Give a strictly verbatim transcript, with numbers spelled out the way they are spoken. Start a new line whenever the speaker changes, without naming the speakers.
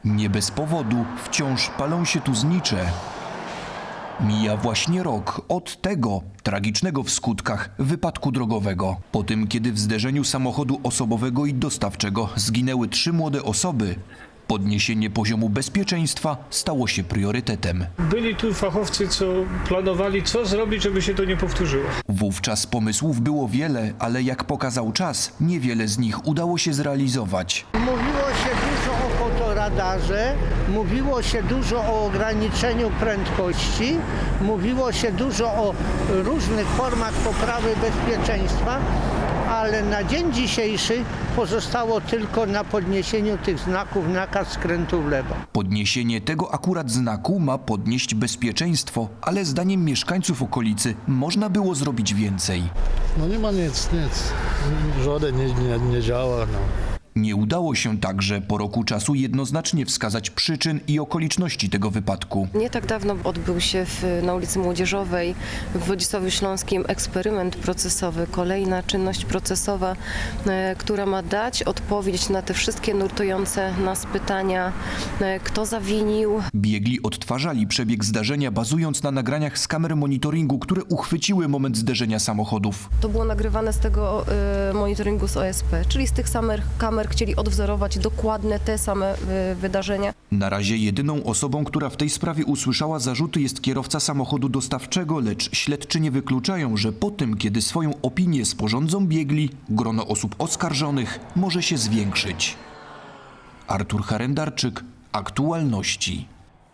Nie bez powodu wciąż palą się tu znicze. Mija właśnie rok od tego tragicznego w skutkach wypadku drogowego. Po tym, kiedy w zderzeniu samochodu osobowego i dostawczego zginęły trzy młode osoby, podniesienie poziomu bezpieczeństwa stało się priorytetem.
Byli tu fachowcy, co planowali, co zrobić, żeby się to nie powtórzyło.
Wówczas pomysłów było wiele, ale jak pokazał czas, niewiele z nich udało się zrealizować.
Mówiło się dużo o fotoradarze, mówiło się dużo o ograniczeniu prędkości, mówiło się dużo o różnych formach poprawy bezpieczeństwa, ale na dzień dzisiejszy pozostało tylko na podniesieniu tych znaków nakaz skrętu w lewo.
Podniesienie tego akurat znaku ma podnieść bezpieczeństwo, ale zdaniem mieszkańców okolicy można było zrobić więcej.
No nie ma nic, nic. Żaden nie, nie, nie działa. No.
Nie udało się także po roku czasu jednoznacznie wskazać przyczyn i okoliczności tego wypadku.
Nie tak dawno odbył się w, na ulicy Młodzieżowej w Wodzisławiu Śląskim eksperyment procesowy, kolejna czynność procesowa, e, która ma dać odpowiedź na te wszystkie nurtujące nas pytania, e, kto zawinił.
Biegli odtwarzali przebieg zdarzenia, bazując na nagraniach z kamer monitoringu, które uchwyciły moment zderzenia samochodów.
To było nagrywane z tego e, monitoringu z O S P, czyli z tych samych kamer chcieli odwzorować dokładne te same e, wydarzenia.
Na razie jedyną osobą, która w tej sprawie usłyszała zarzuty, jest kierowca samochodu dostawczego, lecz śledczy nie wykluczają, że po tym, kiedy swoją opinię sporządzą biegli, grono osób oskarżonych może się zwiększyć. Artur Harendarczyk, Aktualności.